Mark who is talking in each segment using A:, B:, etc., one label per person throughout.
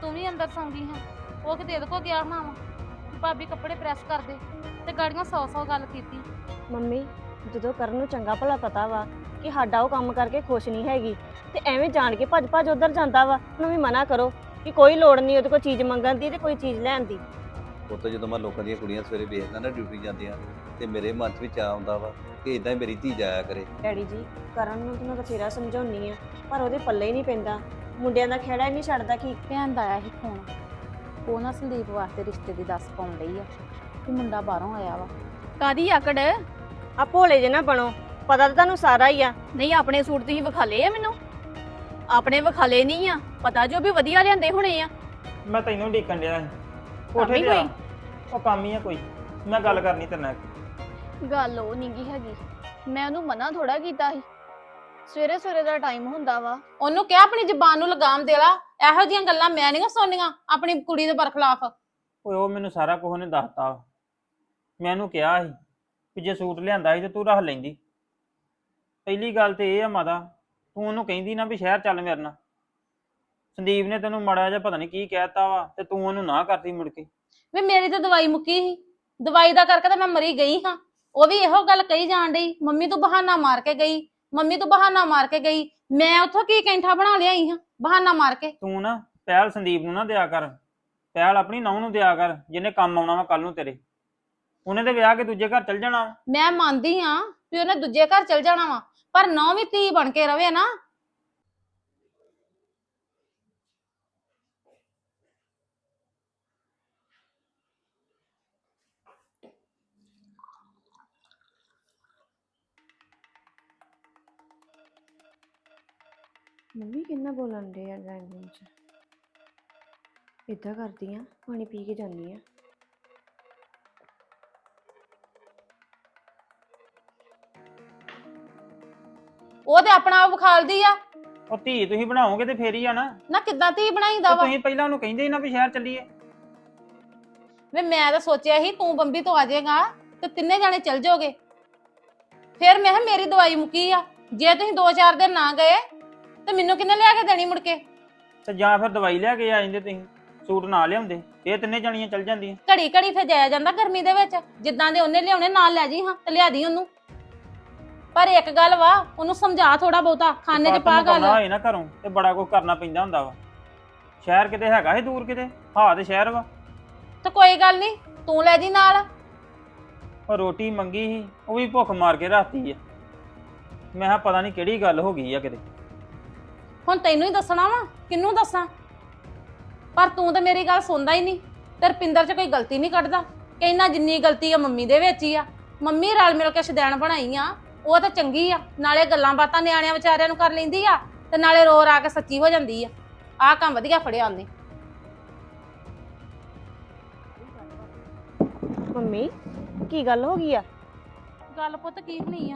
A: ਤੂੰ ਵੀ ਅੰਦਰ ਸੌਂਗੀ ਹਾਂ। ਉਹ ਕਿਤੇ ਇਹਦੇ ਕੋ ਗਿਆ ਹੋਣਾ ਵਾ ਭਾਬੀ ਕੱਪੜੇ ਪ੍ਰੈਸ ਕਰ ਦੇ ਤੇ ਗਾੜੀਆਂ 100 ਗੱਲ ਕੀਤੀ।
B: ਮੰਮੀ ਜਦੋਂ ਕਰਨ ਨੂੰ ਚੰਗਾ ਭਲਾ ਪਤਾ ਵਾ ਕਿ ਸਾਡਾ ਉਹ ਕੰਮ ਕਰਕੇ ਖੁਸ਼ ਨਹੀਂ ਹੈਗੀ ਤੇ ਐਵੇਂ ਜਾਣ ਕੇ ਭੱਜ ਭੱਜ ਉਧਰ ਜਾਂਦਾ ਵਾ। ਉਹਨੂੰ ਵੀ ਮਨਾ ਕਰੋ ਕਿ ਕੋਈ ਲੋੜ ਨਹੀਂ ਉਹਦੇ ਕੋਲ ਚੀਜ਼ ਮੰਗਣ ਦੀ ਤੇ ਕੋਈ ਚੀਜ਼ ਲੈਣ ਦੀ।
C: ਉੱਥੇ ਜਦੋਂ ਮੈਂ ਲੋਕਾਂ ਦੀਆਂ ਕੁੜੀਆਂ ਸਵੇਰੇ ਵੇਖਦਾ ਨਾ ਡਿਊਟੀ ਜਾਂਦੀਆਂ ਤੇ ਮੇਰੇ ਮਨ 'ਚ ਵੀ ਚਾਅ ਆਉਂਦਾ ਵਾ ਕਿ ਇਦਾਂ ਹੀ ਮੇਰੀ ਧੀ ਜਾਇਆ ਕਰੇ।
B: ਡੈਡੀ ਜੀ ਕਰਨ ਨੂੰ ਤਾਂ ਮੈਂ ਬਥੇਰਾ ਸਮਝਾਉਣੀ ਆ ਪਰ ਉਹਦੇ ਪੱਲੇ ਹੀ ਨਹੀਂ ਪੈਂਦਾ। ਮੁੰਡਿਆਂ ਦਾ ਖੇੜਾ ਹੀ ਨਹੀਂ ਛੱਡਦਾ। ਕਿ
A: ਭੈਣ ਦਾ ਆਇਆ ਸੀ ਫੋਨ, ਉਹ ਨਾ ਸੰਦੀਪ ਵਾਸਤੇ ਰਿਸ਼ਤੇ ਦੀ ਦੱਸ ਪਾਉਣ ਡਈ ਆ ਕਿ ਮੁੰਡਾ ਬਾਹਰੋਂ ਆਇਆ ਵਾ।
D: ਕਾਦੀ ਆਕੜ?
B: ਆ ਭੋਲੇ ਜੇ ਨਾ ਬਣੋ, ਪਤਾ ਤਾਂ ਤੁਹਾਨੂੰ ਸਾਰਾ ਹੀ ਆ।
D: ਨਹੀਂ ਆਪਣੇ ਸੂਟ ਤੁਸੀਂ ਵਿਖਾਲੇ ਆ ਮੈਨੂੰ? ਆਪਣੇ ਵਿਖਾਲੇ ਨਹੀਂ ਆ, ਪਤਾ ਜੋ ਵੀ ਵਧੀਆ ਲਿਆਂਦੇ ਹੋਣੇ ਆ।
E: ਮੈਂ ਤੈਨੂੰ ਢੀਕਣ ਡਿਆ ਸੀ
D: ਕੰਮ
E: ਕੋਠੇ
D: ਹੀ
E: ਤੇ ਆ।
D: ਕੋਈ?
E: ਉਹ ਕੰਮ ਹੀ ਆ ਕੋਈ, ਮੈਂ ਗੱਲ ਕਰਨੀ ਤੇਰੇ ਨਾਲ।
D: ਗੱਲ ਉਹ ਨਹੀਂਗੀ ਹੈਗੀ, ਮੈਂ ਉਹਨੂੰ ਮਨਾ ਥੋੜਾ ਕੀਤਾ ਸੀ। ਸਵੇਰੇ ਸਵੇਰੇ ਦਾ ਟਾਈਮ ਹੁੰਦਾ ਵਾ।
A: ਉਹਨੂੰ ਕਿਹਾ ਆਪਣੀ ਜ਼ਬਾਨ ਨੂੰ ਲਗਾਮ ਦੇ ਲਾ, ਇਹੋ ਜਿਹੀਆਂ ਗੱਲਾਂ ਮੈਂ ਨਹੀਂ ਸੁਣਨੀਆਂ ਆਪਣੀ ਕੁੜੀ ਦੇ ਬਰਖਲਾਫ।
E: ਓਏ ਉਹ ਮੈਨੂੰ ਸਾਰਾ ਕੁਝ ਉਹਨੇ ਦੱਸਤਾ ਵਾ। ਮੈਂ ਉਹਨੂੰ ਕਿਹਾ ਸੀ ਕਿ ਜੇ ਸੂਟ ਲਿਆਂਦਾ ਸੀ ਤੇ ਤੂੰ ਰੱਖ ਲੈਂਦੀ। ਪਹਿਲੀ ਗੱਲ ਤੇ ਇਹ ਆ ਮਾਤਾ, ਤੂੰ ਉਹਨੂੰ ਕਹਿੰਦੀ ਨਾ ਵੀ ਸ਼ਹਿਰ ਚੱਲ ਮੇਰੇ ਨਾਲ। ਸੰਦੀਪ ਨੇ ਤੈਨੂੰ ਮਾੜਾ ਜਿਹਾ ਪਤਾ ਨਹੀਂ ਕੀ ਕਹਿਤਾ ਵਾ ਤੇ ਤੂੰ ਉਹਨੂੰ ਨਾ ਕਰਦੀ ਮੁੜ ਕੇ।
A: ਵੀ ਮੇਰੀ ਤਾਂ ਦਵਾਈ ਮੁੱਕੀ ਸੀ, ਦਵਾਈ ਦਾ ਕਰਕੇ ਤਾਂ ਮੈਂ ਮਰੀ ਗਈ ਹਾਂ। ਉਹ ਵੀ ਇਹੋ ਗੱਲ ਕਹੀ ਜਾਣ ਡਈ, ਮੰਮੀ ਤੂੰ ਬਹਾਨਾ ਮਾਰ ਕੇ ਗਈ, ਮੰਮੀ ਤੂੰ ਬਹਾਨਾ ਮਾਰ ਕੇ ਗਈ। ਮੈਂ ਉੱਥੋਂ ਕੀ ਕੈਂਠਾ ਬਣਾ ਲਿਆਈ ਹਾਂ ਬਹਾਨਾ ਮਾਰ ਕੇ।
E: ਤੂੰ ਨਾ ਪਹਿਲ ਸੰਦੀਪ ਨੂੰ ਨਾ ਦਿਆ ਕਰ, ਪਹਿਲ ਆਪਣੀ ਨਹੁੰ ਨੂੰ ਦਿਆ ਕਰ, ਜਿਹਨੇ ਕੰਮ ਆਉਣਾ ਵਾ ਕੱਲ ਨੂੰ ਤੇਰੇ। ਉਹਨੇ ਤੇ ਵਿਆਹ ਕੇ ਦੂਜੇ ਘਰ ਚੱਲ ਜਾਣਾ ਵਾ।
A: ਮੈਂ ਮੰਨਦੀ ਹਾਂ ਵੀ ਉਹਨੇ ਦੂਜੇ ਘਰ ਚਲ ਜਾਣਾ ਵਾ, ਪਰ ਨੌ ਵੀ ਧੀ ਬਣ ਕੇ ਰਵੇ ਨਾ।
B: ਮੰਮੀ ਕਿੰਨਾ ਬੋਲਣ ਦੇ ਆ ਡਰਾਈਵਿੰਗ ਰੂਮ 'ਚ। ਇੱਦਾਂ ਕਰਦੀ ਆ, ਪਾਣੀ ਪੀ ਕੇ ਜਾਂਦੀ ਆ।
A: ਉਹ ਤੇ ਆਪਣਾ ਆਪ ਵਿਖਾਲਦੀ ਆ।
E: ਉਹ ਧੀ ਤੁਸੀਂ ਬਣਾਓਗੇ ਤੇ ਫੇਰ ਹੀ ਆ ਨਾ।
A: ਨਾ ਕਿੱਦਾਂ ਧੀ ਬਣਾਈਦਾ
E: ਤੇ
A: ਵਾ?
E: ਤੁਸੀਂ ਪਹਿਲਾਂ ਉਹਨੂੰ ਕਹਿੰਦੇ ਸੀ ਨਾ ਵੀ ਸ਼ਹਿਰ ਚੱਲੀਏ।
A: ਵੇ ਮੈਂ ਤਾਂ ਸੋਚਿਆ ਸੀ ਤੂੰ ਬੰਬੀ ਤੋਂ ਆ ਜਾਏਗਾ ਤੇ ਤਿੰਨੇ ਜਾਣੇ ਚੱਲ ਜਾਓਗੇ। ਫਿਰ ਮੈਂ ਕਿਹਾ ਮੇਰੀ ਦਵਾਈ ਮੁੱਕੀ ਆ, ਜੇ ਤੁਸੀਂ 2-4 ਦਿਨ ਨਾ ਗਏ ਤੇ ਮੈਨੂੰ ਕਿੰਨੇ ਲਿਆ ਕੇ ਦੇਣੀ ਮੁੜ ਕੇ?
E: ਤੇ ਜਾਂ ਫਿਰ ਦਵਾਈ ਲਿਆ ਕੇ ਆ ਜਾਂਦੇ, ਤੁਸੀਂ ਸੂਟ ਨਾ ਲਿਆਉਂਦੇ, ਇਹ ਤਿੰਨੇ ਜਾਣੀਆਂ ਚੱਲ ਜਾਂਦੀਆਂ।
A: ਘੜੀ ਘੜੀ ਫਿਰ ਜਾਇਆ ਜਾਂਦਾ ਗਰਮੀ ਦੇ ਵਿੱਚ, ਜਿੱਦਾਂ ਦੇ ਉਹਨੇ ਲਿਆਉਣੇ ਨਾਲ ਲੈ ਜੀ ਹਾਂ ਤੇ ਲਿਆ ਦੀ ਉਹਨੂੰ। ਪਰ ਇੱਕ ਗੱਲ ਵਾ, ਉਹਨੂੰ ਸਮਝਾ ਥੋੜਾ ਬਹੁਤਾ, ਖਾਣੇ 'ਚ ਪਾ ਗੱਲ।
E: ਹੋਏ ਨਾ ਘਰੋਂ ਤੇ ਬੜਾ ਕੁਝ ਕਰਨਾ ਪੈਂਦਾ ਹੁੰਦਾ ਵਾ। ਸ਼ਹਿਰ ਕਿਤੇ ਹੈਗਾ ਸੀ ਦੂਰ ਕਿਤੇ? ਹਾਂ ਤੇ ਸ਼ਹਿਰ ਵਾ।
A: ਤੇ ਕੋਈ ਗੱਲ ਨਹੀਂ, ਤੂੰ ਲੈ ਜੀ ਨਾਲ।
E: ਉਹ ਰੋਟੀ ਮੰਗੀ ਸੀ, ਉਹ ਵੀ ਭੁੱਖ ਮਾਰ ਕੇ ਰਾਤੀ ਆ। ਮੈਂ ਕਿਹਾ ਪਤਾ ਨਹੀਂ ਕਿਹੜੀ ਗੱਲ ਹੋ ਗਈ ਆ ਕਿਤੇ।
A: ਹੁਣ ਤੈਨੂੰ ਹੀ ਦੱਸਣਾ ਵਾ, ਕਿਹਨੂੰ ਦੱਸਾਂ? ਪਰ ਤੂੰ ਤਾਂ ਮੇਰੀ ਗੱਲ ਸੁਣਦਾ ਹੀ ਨਹੀਂ ਤੇ ਰਪਿੰਦਰ 'ਚ ਕੋਈ ਗਲਤੀ ਨਹੀਂ ਕੱਢਦਾ। ਕਹਿੰਦਾ ਜਿੰਨੀ ਗਲਤੀ ਆ ਮੰਮੀ ਦੇ ਵਿੱਚ ਹੀ ਆ। ਮੰਮੀ ਰਲ ਮਿਲ ਕੇ ਸ਼ਦੈਣ ਬਣਾਈ ਆ, ਉਹ ਤਾਂ ਚੰਗੀ ਆ, ਨਾਲੇ ਗੱਲਾਂ ਬਾਤਾਂ ਨਿਆਣਿਆਂ ਵਿਚਾਰਿਆਂ ਨੂੰ ਕਰ ਲੈਂਦੀ ਆ ਤੇ ਨਾਲੇ ਰੋ ਰਾ ਕੇ ਸੱਚੀ ਹੋ ਜਾਂਦੀ ਆ। ਆਹ ਕੰਮ ਵਧੀਆ ਫੜਿਆ ਉਹਨੇ।
B: ਮੰਮੀ ਕੀ ਗੱਲ ਹੋ ਗਈ ਆ?
A: ਗੱਲ ਪੁੱਤ ਕੀ ਨਹੀਂ ਆ,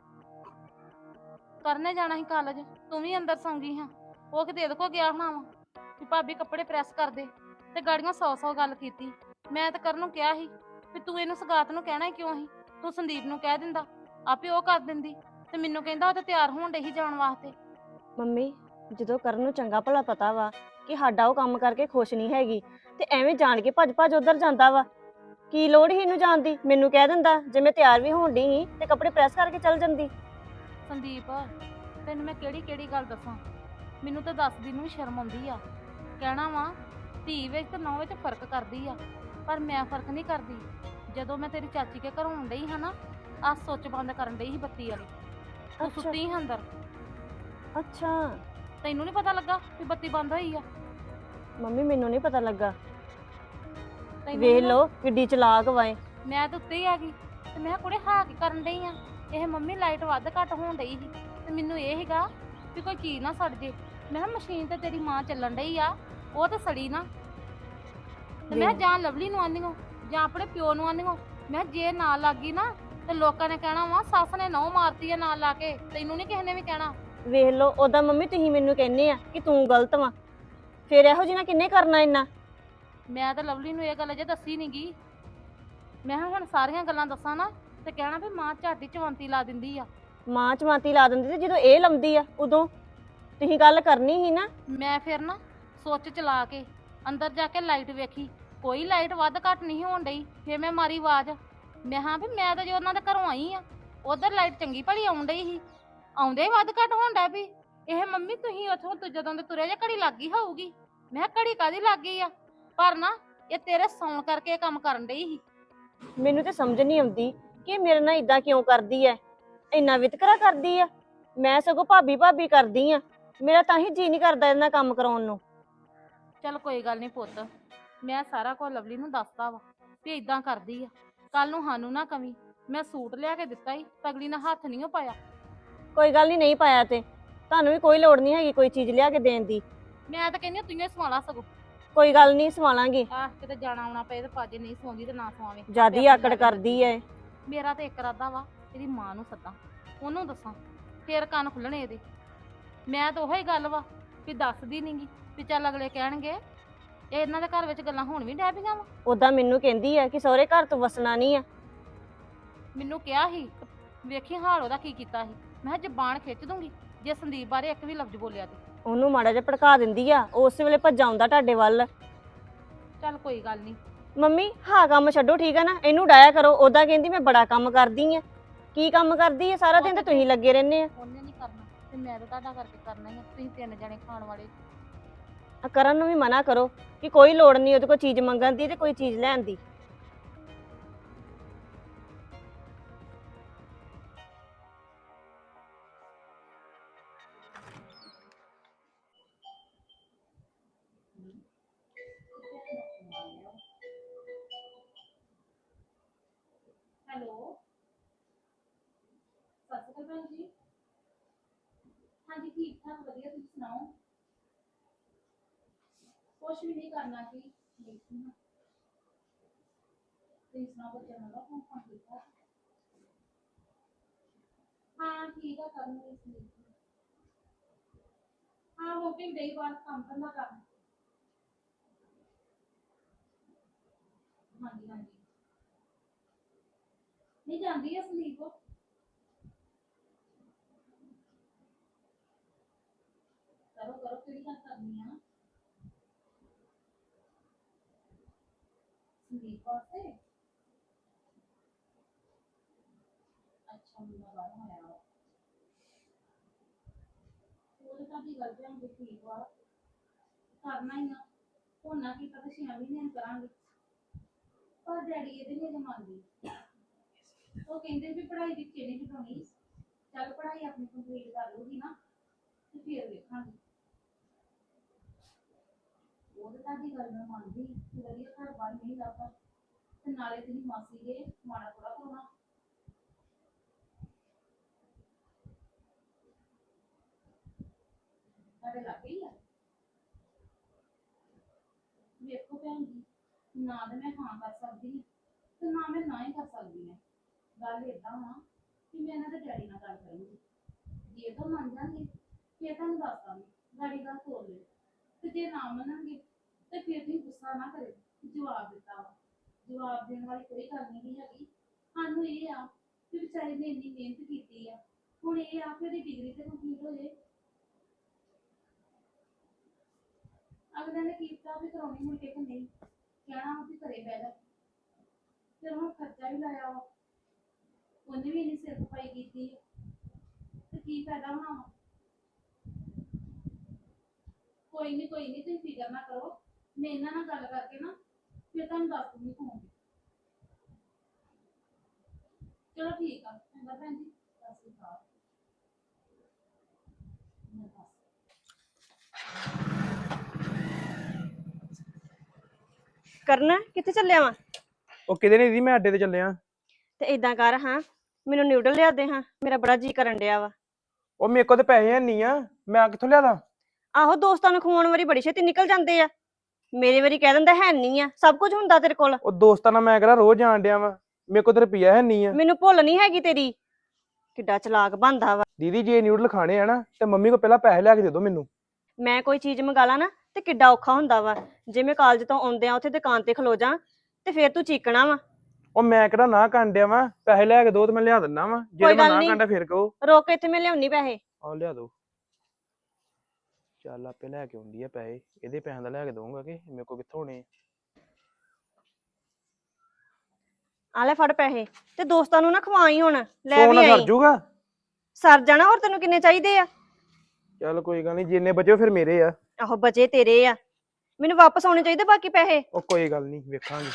A: ਕਰਨੇ ਜਾਣਾ ਸੀ ਕਾਲਜ, ਤੂੰ ਵੀ ਅੰਦਰ ਸੌਂਗੀ ਹਾਂ। ਉਹ ਕਿਤੇ ਇਹਦੇ ਕੋ ਗਿਆ ਹੋਣਾ ਵਾ ਵੀ ਭਾਬੀ ਕੱਪੜੇ ਪ੍ਰੈਸ ਕਰ ਦੇ ਤੇ ਗਾੜੀਆਂ 100 ਗੱਲ ਕੀਤੀ। ਮੈਂ ਤਾਂ ਕਰਨ ਨੂੰ ਕਿਹਾ ਸੀ ਵੀ ਤੂੰ ਇਹਨੂੰ ਸਗਾਤ ਨੂੰ ਕਹਿਣਾ ਕਿਉਂ ਸੀ? ਤੂੰ ਸੰਦੀਪ ਨੂੰ ਕਹਿ ਦਿੰਦਾ, ਆਪੇ ਉਹ ਕਰ ਦਿੰਦੀ। ਤੇ ਮੈਨੂੰ ਕਹਿੰਦਾ ਉਹ ਤੇ ਤਿਆਰ ਹੋਣ ਡਈ ਸੀ ਜਾਣ ਵਾਸਤੇ।
B: ਮੰਮੀ ਜਦੋਂ ਕਰਨ ਨੂੰ ਚੰਗਾ ਭਲਾ ਪਤਾ ਵਾ ਕਿ ਸਾਡਾ ਉਹ ਕੰਮ ਕਰਕੇ ਖੁਸ਼ ਨਹੀਂ ਹੈਗੀ ਤੇ ਐਵੇਂ ਜਾਣ ਕੇ ਭੱਜ ਭੱਜ ਉਧਰ ਜਾਂਦਾ ਵਾ। ਕੀ ਲੋੜ ਸੀ ਇਹਨੂੰ ਜਾਣ ਦੀ? ਮੈਨੂੰ ਕਹਿ ਦਿੰਦਾ, ਜੇ ਮੈਂ ਤਿਆਰ ਵੀ ਹੋਣ ਡਈ ਸੀ ਤੇ ਕੱਪੜੇ ਪ੍ਰੈਸ ਕਰਕੇ ਚੱਲ ਜਾਂਦੀ।
A: ਸੰਦੀਪ ਤੈਨੂੰ ਮੈਂ ਕਿਹੜੀ ਗੱਲ ਦੱਸਾਂ? ਮੈਨੂੰ ਤਾਂ ਦੱਸਦੀ ਨੂੰ ਵੀ ਸ਼ਰਮ ਆਉਂਦੀ ਆ। ਕਹਿਣਾ ਵਾ ਧੀ ਵਿੱਚ ਤੇ ਨੌਂ ਵਿੱਚ ਫਰਕ ਕਰਦੀ ਆ, ਪਰ ਮੈਂ ਫਰਕ ਨਹੀਂ ਕਰਦੀ। ਜਦੋਂ ਮੈਂ ਤੇਰੀ ਚਾਚੀ ਕੇ ਘਰੋਂ ਆਉਣ ਡਈ ਹਾਂ ਨਾ, ਆਹ ਸੁੱਚ ਬੰਦ ਕਰਨ ਡਈ ਸੀ ਬੱਤੀ ਵਾਲੀ, ਤੂੰ ਸੁੱਤੀ ਸੀ ਅੰਦਰ।
B: ਅੱਛਾ
A: ਤੈਨੂੰ ਨਹੀਂ ਪਤਾ ਲੱਗਾ ਵੀ ਬੱਤੀ ਬੰਦ ਹੋਈ ਆ?
B: ਮੰਮੀ ਮੈਨੂੰ ਨਹੀਂ ਪਤਾ ਲੱਗਾ।
A: ਤੈਨੂੰ
B: ਵੇਖ
A: ਨੀ
B: ਲਓ ਕਿੱਡੀ ਚਲਾਕ ਵਾਏ।
A: ਮੈਂ ਤਾਂ ਉੱਤੇ ਹੀ ਆ ਗਈ ਤੇ ਮੈਂ ਕਿਹਾ ਕੁੜੇ ਹਾਂ ਕੀ ਕਰਨ ਡਈ ਆ? ਇਹ ਮੰਮੀ ਲਾਈਟ ਵੱਧ ਘੱਟ ਹੋਣ ਡਈ ਸੀ ਤੇ ਮੈਨੂੰ ਇਹ ਸੀਗਾ ਵੀ ਕੋਈ ਚੀਜ਼ ਨਾ ਸੜ ਜੇ। ਮੈਂ ਕਿਹਾ ਮਸ਼ੀਨ ਤੇ ਤੇਰੀ ਮਾਂ ਚੱਲਣ ਡਈ ਆ, ਉਹ ਤਾਂ ਸੜੀ ਨਾ। ਤੇ ਮੈਂ ਕਿਹਾ ਜਾਂ ਲਵਲੀ ਨੂੰ ਆਂਦੀ ਹੋ ਜਾਂ ਆਪਣੇ ਪਿਓ ਨੂੰ ਆਂਦੀ ਹੋ। ਮੈਂ ਕਿਹਾ ਜੇ ਨਾ ਲੱਗੀ ਨਾ ਤੇ ਲੋਕਾਂ ਨੇ ਕਹਿਣਾ ਵਾ ਸੱਸ ਨੇ ਨਹੁੰ ਮਾਰਤੀ ਆ ਨਾਲ ਲਾ ਕੇ, ਤੈਨੂੰ ਨਹੀਂ ਕਿਸੇ ਨੇ ਵੀ ਕਹਿਣਾ।
B: ਵੇਖ ਲਓ ਉਦਾਂ ਮੰਮੀ ਤੁਸੀਂ ਮੈਨੂੰ ਕਹਿੰਦੇ ਆ ਕਿ ਤੂੰ ਗਲਤ ਵਾ, ਫਿਰ ਇਹੋ ਜਿਹਾ ਕਿੰਨੇ ਕਰਨਾ ਇੰਨਾ?
A: ਮੈਂ ਤਾਂ ਲਵਲੀ ਨੂੰ ਇਹ ਗੱਲ ਅਜੇ ਦੱਸੀ ਨੀ ਗੀ। ਮੈਂ ਕਿਹਾ ਹੁਣ ਸਾਰੀਆਂ ਗੱਲਾਂ ਦੱਸਾਂ ਨਾ ਤੇ ਕਹਿਣਾ ਵੀ ਮਾਂ ਝਾਟੀ ਚਵੰਤੀ ਲਾ ਦਿੰਦੀ ਆ।
B: ਮਾਂ ਚਮਾਤੀ ਲਾ ਦਿੰਦੀ ਤੇ ਜਦੋਂ ਇਹ ਲੰਮਦੀ ਆ ਉਦੋਂ ਤੁਸੀਂ ਗੱਲ ਕਰਨੀ ਸੀ ਨਾ।
A: ਮੈਂ ਫਿਰ ਨਾ ਸੋਚ ਚਲਾ ਕੇ ਅੰਦਰ ਜਾ ਕੇ ਲਾਈਟ ਵੇਖੀ, ਕੋਈ ਲਾਈਟ ਵੱਧ ਘੱਟ ਨਹੀਂ ਹੋਣ ਡਈ। ਫੇਰ ਮੈਂ ਮਾਰੀ ਆਵਾਜ਼, ਮੈਂ ਹਾਂ ਵੀ ਮੈਂ ਤਾਂ ਜੋ ਉਹਨਾਂ ਦੇ ਘਰੋਂ ਆਈ ਆ, ਉਧਰ ਲਾਈਟ ਚੰਗੀ ਭਲੀ ਆਉਣ ਡਈ ਸੀ, ਆਉਂਦੇ ਹੀ ਵੱਧ ਘੱਟ ਹੋਣ ਡੈ ਵੀ। ਇਹ ਮੰਮੀ ਤੁਸੀਂ ਉੱਥੋਂ ਜਦੋਂ ਦੇ ਤੁਰੇ ਜੇ ਘੜੀ ਲੱਗ ਗਈ ਹੋਊਗੀ। ਮੈਂ ਕਿਹਾ ਘੜੀ ਕਾਦੀ ਲੱਗ ਗਈ ਆ, ਪਰ ਨਾ ਇਹ ਤੇਰੇ ਸੌਣ ਕਰਕੇ ਇਹ ਕੰਮ ਕਰਨ ਡਈ ਸੀ।
B: ਮੈਨੂੰ ਤੇ ਸਮਝ ਨਹੀਂ ਆਉਂਦੀ ਕਿ ਇਹ ਮੇਰੇ ਨਾਲ ਇਦਾਂ ਕਿਉਂ ਕਰਦੀ ਐ, ਇੰਨਾ ਵਿਤਕਰਾ ਕਰਦੀ ਆ। ਮੈਂ ਸਗੋਂ ਭਾਬੀ ਭਾਬੀ ਕਰਦੀ ਆ, ਮੇਰਾ ਤਾਂ ਹੀ ਜੀ ਨਹੀਂ ਕਰਦਾ ਇਹਨਾਂ ਕੰਮ ਕਰਾਉਣ ਨੂੰ।
A: ਚੱਲ ਕੋਈ ਗੱਲ ਨਹੀਂ ਪੁੱਤ, ਮੈਂ ਸਾਰਾ ਕੁਝ ਲਵਲੀ ਨੂੰ ਦੱਸਤਾ ਵਾ ਵੀ ਇਦਾਂ ਕਰਦੀ ਆ। ਕੱਲ ਨੂੰ ਸਾਨੂੰ ਨਾ ਕਵੀਂ, ਮੈਂ ਸੂਟ ਲਿਆ ਕੇ ਦਿੱਤਾ ਹੀ, ਤਗਲੀ ਨਾਲ ਹੱਥ ਨਹੀਂ ਪਾਇਆ।
B: ਕੋਈ ਗੱਲ ਨਹੀਂ ਪਾਇਆ ਤੇ ਤੁਹਾਨੂੰ ਵੀ ਕੋਈ ਲੋੜ ਨਹੀਂ ਹੈਗੀ ਕੋਈ ਚੀਜ਼ ਲਿਆ ਕੇ ਦੇਣ ਦੀ।
A: ਮੈਂ ਤਾਂ ਕਹਿੰਦੀ ਤੂੰ ਹੀ ਸਵਾਲਾ ਸਗੋਂ।
B: ਕੋਈ ਗੱਲ ਨਹੀਂ ਸਵਾਲਾਂਗੀ।
A: ਆਹ ਕਿਤੇ ਜਾਣਾ ਆਉਣਾ ਪਏ ਤੇ ਪਾਜੇ, ਨਹੀਂ ਸੌਂਦੀ ਤੇ ਨਾ ਸਵਾਵੇਂ।
B: ਜਿਆਦੀ ਆਕੜ ਕਰਦੀ ਐ।
A: ਮੇਰਾ ਤੇ ਇੱਕ ਇਰਾਦਾ ਵਾ, ਇਹਦੀ ਮਾਂ ਨੂੰ ਸੱਦਾਂ, ਉਹਨੂੰ ਦੱਸਾਂ, ਫੇਰ ਕੰਨ ਖੁੱਲਣੇ ਇਹਦੇ। ਮੈਂ ਤਾਂ ਉਹੀ ਗੱਲ ਵਾ ਵੀ ਦੱਸਦੀ ਨਹੀਂਗੀ ਵੀ ਚੱਲ ਅਗਲੇ ਕਹਿਣਗੇ ਇਹ ਇਹਨਾਂ ਦੇ ਘਰ ਵਿੱਚ ਗੱਲਾਂ ਹੁਣ ਵੀ ਡੈ ਪਈਆਂ ਵਾ।
B: ਉਦਾਂ ਮੈਨੂੰ ਕਹਿੰਦੀ ਐ ਕਿ ਸਹੁਰੇ ਘਰ ਤੋਂ ਵਸਣਾ ਨਹੀਂ ਆ।
A: ਮੈਨੂੰ ਕਿਹਾ ਸੀ, ਵੇਖੀ ਹਾਲ ਉਹਦਾ ਕੀ ਕੀਤਾ ਸੀ। ਮੈਂ ਕਿਹਾ ਜ਼ਬਾਨ ਖਿੱਚ ਦੂੰਗੀ ਜੇ ਸੰਦੀਪ ਬਾਰੇ ਇੱਕ ਵੀ ਲਫ਼ਜ਼ ਬੋਲਿਆ ਤੇ।
B: ਉਹਨੂੰ ਮਾੜਾ ਜਿਹਾ ਭੜਕਾ ਦਿੰਦੀ ਆ, ਉਸ ਵੇਲੇ ਭੱਜ ਆਉਂਦਾ ਤੁਹਾਡੇ ਵੱਲ।
A: ਚੱਲ ਕੋਈ ਗੱਲ ਨਹੀਂ।
B: ਮੰਮੀ ਹਾਂ ਕੰਮ ਛੱਡੋ ਠੀਕ ਆ ਨਾ, ਇਹਨੂੰ ਡਾਇਆ ਕਰੋ। ਉਦਾਂ ਕਹਿੰਦੀ ਮੈਂ ਬੜਾ ਕੰਮ ਕਰਦੀ ਆ। ਕੀ ਕੰਮ ਕਰਦੀ ਆ? ਸਾਰਾ ਦਿਨ ਤਾਂ ਤੁਸੀਂ ਲੱਗੇ ਰਹਿੰਦੇ ਆ।
A: ਉਹਨੇ ਨਹੀਂ ਕਰਨਾ ਤੇ ਮੈਂ ਤਾਂ ਤੁਹਾਡਾ ਕਰਕੇ ਕਰਨਾ ਹੀ ਆ। ਤੁਸੀਂ 3 ਜਣੇ ਖਾਣ ਵਾਲੇ।
B: ਆ ਕਰਨ ਨੂੰ ਵੀ ਮਨਾ ਕਰੋ ਕਿ ਕੋਈ ਲੋੜ ਨਹੀਂ ਉਹਦੇ ਕੋਲ ਚੀਜ਼ ਮੰਗਣ ਦੀ ਤੇ ਕੋਈ ਚੀਜ਼ ਲੈਣ ਦੀ।
A: ਹੈਲੋ, ਸਤਿ ਸ਼੍ਰੀ ਅਕਾਲ ਭੈਣ ਜੀ। ਹਾਂਜੀ ਠੀਕ ਠਾਕ ਵਧੀਆ, ਤੁਸੀਂ ਸੁਣਾਓ? ਕੁਛ ਵੀ ਨਹੀਂ ਕਰਨਾ ਕੀ, ਤੁਸੀਂ ਸੁਣਾਓ ਬੱਚਿਆਂ ਦਾ ਫੋਨ ਕੀਤਾ? ਹਾਂ ਠੀਕ ਆ, ਕਰਨੀ ਇਸ ਹਾਂ ਹੋ ਕੇ ਗਈ ਬਾਹਰ ਕੰਮ ਧੰਦਾ ਕਰਨ। ਹਾਂਜੀ ਹਾਂਜੀ ਨਹੀਂ ਜਾਂਦੀ ਆ ਸੰਦੀਪ। ਕਰੋ ਕਰੋ, ਕਿਹੜੀ ਗੱਲ ਕਰਨੀ ਆ ਸੰਦੀਪ ਵਾਸਤੇ? ਅੱਛਾ ਮੁੰਡਾ ਬਾਹਰ ਹੋਇਆ ਵਾ, ਉਹ ਤਾਂ ਦੀ ਗੱਲ ਤੇ ਠੀਕ ਵਾ, ਕਰਨਾ ਹੀ ਆ। ਹੁਣ ਨਾ ਕੀਤਾ ਤਾਂ 6 ਮਹੀਨੇ ਕਰਾਂਗੇ, ਪਰ ਡੈਡੀ ਇਹਦੇ ਨਹੀਂ ਅਜੇ ਮੰਨਦੇ। ਉਹ ਕਹਿੰਦੇ ਵੀ ਪੜ੍ਹਾਈ ਵਿੱਚੇ ਨਹੀਂ ਘਟਾਉਣੀ, ਚੱਲ ਪੜ੍ਹਾਈ ਆਪਣੀ ਕੰਪਲੀਟ ਕਰ ਲੂਗੀ ਨਾ ਤੇ ਫਿਰ ਵੇਖਾਂਗੇ। ਉਹ ਤਾਂ ਤੁਹਾਡੀ ਗੱਲ ਮੈਂ ਮੰਨਦੀ ਕਿ ਵਧੀਆ ਘਰ ਬਾਰ ਨਹੀਂ ਲੱਭਦਾ, ਤੇ ਨਾਲੇ ਤੇਰੀ ਮਾਸੀ ਦੇ ਮਾੜਾ ਥੋੜਾ ਪਾਉਣਾ। ਤੁਹਾਡੇ ਲਾਗੇ ਹੀ ਆ? ਵੇਖੋ ਭੈਣ ਜੀ, ਨਾ ਤਾਂ ਮੈਂ ਹਾਂ ਕਰ ਸਕਦੀ ਤੇ ਨਾ ਮੈਂ ਨਾ ਹੀ ਕਰ ਸਕਦੀ ਹਾਂ। ਗੱਲ ਏਦਾਂ ਵਾ ਕਿ ਮੈਂ ਇਹਨਾਂ ਦੇ ਡੈਡੀ ਨਾਲ ਗੱਲ ਕਰਾਂਗੀ, ਜੇ ਤਾਂ ਮੰਨ ਜਾਣਗੇ ਫਿਰ ਤੁਹਾਨੂੰ ਦੱਸ ਦਾਂਗੀ, ਗਾੜੀ ਗੱਲ ਤੋਰ ਲਿਓ। ਤੇ ਜੇ ਨਾ ਮੰਨਣਗੇ ਤੇ ਫਿਰ ਤੁਸੀਂ ਗੁੱਸਾ ਨਾ ਕਰਿਓ, ਜਵਾਬ ਦਿੱਤਾ ਵਾ। ਜਵਾਬ ਦੇਣ ਵਾਲੀ ਕੋਈ ਗੱਲ ਨਹੀਂ ਹੈਗੀ। ਸਾਨੂੰ ਇਹ ਆ ਕਿ ਵਿਚਾਰੇ ਨੇ ਇੰਨੀ ਮਿਹਨਤ ਕੀਤੀ ਆ, ਹੁਣ ਇਹ ਆ ਕਿ ਉਹਦੀ ਡਿਗਰੀ ਤੇ ਕੰਪਲੀਟ ਹੋ ਜਾਏ। ਅਗਲੇ ਨੇ ਕੀਤਾ ਵੀ ਕਰਾਉਣੀ ਮੁੜ ਕੇ ਕਿ ਨਹੀਂ, ਕਹਿਣਾ ਵੀ ਘਰੇ ਬਹਿ ਜਾ। ਫਿਰ ਹੁਣ ਖਰਚਾ ਵੀ ਲਾਇਆ ਵਾ, ਉਹਨੇ ਵੀ ਇੰਨੀ ਸਿਰ ਖਪਾਈ ਕੀਤੀ ਤੇ ਕੀ ਫਾਇਦਾ ਹੋਣਾ। ਕੋਈ ਨਹੀਂ ਤੁਸੀਂ ਫਿਕਰ ਨਾ ਕਰੋ, ਮੈਂ ਇਹਨਾਂ ਨਾਲ ਗੱਲ ਕਰਕੇ ਨਾ ਫਿਰ ਤੁਹਾਨੂੰ ਦੱਸ ਦੂੰਗੀ ਫੋਨ ਤੇ। ਚਲੋ ਠੀਕ ਆ, ਚੰਗਾ ਭੈਣ ਜੀ, ਸਤਿ ਸ਼੍ਰੀ ਅਕਾਲ।
B: ਕਰਨਾ ਕਿੱਥੇ ਚੱਲਿਆ ਵਾ?
F: ਉਹ ਕਿਤੇ ਨਹੀਂ ਦੀ, ਮੈਂ ਅੱਡੇ ਤੇ ਚੱਲਿਆ।
B: ਤੇ ਇਦਾਂ ਕਰ ਹਾਂ, ਮੈਨੂੰ ਨਿਊਡਲ ਲਿਆ ਦੇ ਹਾਂ, ਮੇਰਾ ਬੜਾ ਜੀ ਕਰਨ ਡਿਆ ਵਾ।
F: ਉਹ ਮੇਰੇ ਕੋਲ ਤੇ ਪੈਸੇ ਹੈ ਨਹੀਂ ਆ, ਮੈਂ ਕਿੱਥੋਂ ਲਿਆਦਾ?
B: ਆਹੋ ਦੋਸਤਾਂ ਨੂੰ ਖਵਾਉਣ ਵਾਰੀ ਬੜੀ ਛੇਤੀ ਨਿਕਲ ਜਾਂਦੇ ਆ, ਮੇਰੇ ਵਾਰੀ ਕਹਿ ਦਿੰਦਾ ਹੈ ਨਹੀਂ ਆ। ਸਭ ਕੁਝ ਹੁੰਦਾ ਤੇਰੇ ਕੋਲ।
F: ਉਹ ਦੋਸਤਾਂ ਨਾਲ ਮੈਂ ਕਿਹੜਾ ਰੋਜ਼ ਜਾਣ ਡਿਆ ਵਾ, ਮੇਰੇ ਕੋਲ ਤੇ ਰੁਪਈਆ ਹੈ ਨਹੀਂ ਆ।
B: ਮੈਨੂੰ ਭੁੱਲ ਨਹੀਂ ਹੈਗੀ ਤੇਰੀ। ਕਿੱਡਾ ਚਲਾਕ ਬਣਦਾ ਵਾ।
F: ਦੀਦੀ ਜੇ ਨਿਊਡਲ ਖਾਣੇ ਆ ਨਾ ਤੇ ਮੰਮੀ ਕੋਲ ਪਹਿਲਾਂ ਪੈਸੇ ਲਿਆ ਕੇ ਦੇ ਦਿਓ ਮੈਨੂੰ।
B: ਮੈਂ ਕੋਈ ਚੀਜ਼ ਮੰਗਾ ਲਾ ਨਾ ਤੇ ਕਿੱਡਾ ਔਖਾ ਹੁੰਦਾ ਵਾ। ਜੇ ਮੈਂ ਕਾਲਜ ਤੋਂ ਆਉਂਦਿਆਂ ਉੱਥੇ ਦੁਕਾਨ ਤੇ ਖਲੋ ਜਾ ਤੇ ਫੇਰ ਤੂੰ ਚੀਕਣਾ ਵਾ।
F: ਉਹ ਮੈਂ ਕਿਹੜਾ ਨਾ ਕਰਨ ਡਿਆ ਵਾ, ਪੈਸੇ ਲਿਆ ਕੇ ਦੋ ਤੇ ਮੈਂ ਲਿਆ ਦਿੰਦਾ ਵਾ। ਜੇ
B: ਕੋਈ
F: ਮੈਂ
B: ਗੱਲ
F: ਨਾ
B: ਨੀ।
F: ਕਰਦਾ ਫੇਰ ਕਹੋ।
B: ਰੋਕ ਇੱਥੇ, ਮੈਂ ਲਿਆਉਣੀ ਪੈਸੇ।
F: ਆਹ ਲਿਆ ਦੋ। ਚੱਲ ਆਪੇ ਲੈ ਕੇ ਆਉਂਦੀ ਆ ਪੈਸੇ, ਇਹਦੇ ਪੈਸਿਆਂ ਦਾ ਲੈ ਕੇ ਦਊਂਗਾ ਕਿ ਮੇਰੇ ਕੋਲ ਕਿੱਥੋਂ ਹੋਣੇ ਆ।
B: ਆ ਲੈ ਫੜ ਪੈਸੇ, ਤੇ ਦੋਸਤਾਂ ਨੂੰ ਨਾ ਖਵਾਈ ਹੁਣ, ਲੈ ਵੀ
F: ਸੋਨਾ ਸਰ
B: ਆਈ।
F: ਜੂਗਾ।
B: ਸਰ ਜਾਣਾ, ਹੋਰ ਤੈਨੂੰ ਕਿੰਨੇ ਚਾਹੀਦੇ ਆ?
F: ਚੱਲ ਕੋਈ ਗੱਲ ਨਹੀਂ, ਜਿੰਨੇ ਬਚੇ ਫਿਰ ਮੇਰੇ ਆ।
B: ਆਹੋ ਬਚੇ ਤੇਰੇ ਆ, ਮੈਨੂੰ ਵਾਪਸ ਆਉਣੇ ਚਾਹੀਦੇ ਬਾਕੀ ਪੈਸੇ।
F: ਉਹ ਕੋਈ ਗੱਲ ਨਹੀਂ, ਵੇਖਾਂਗੇ।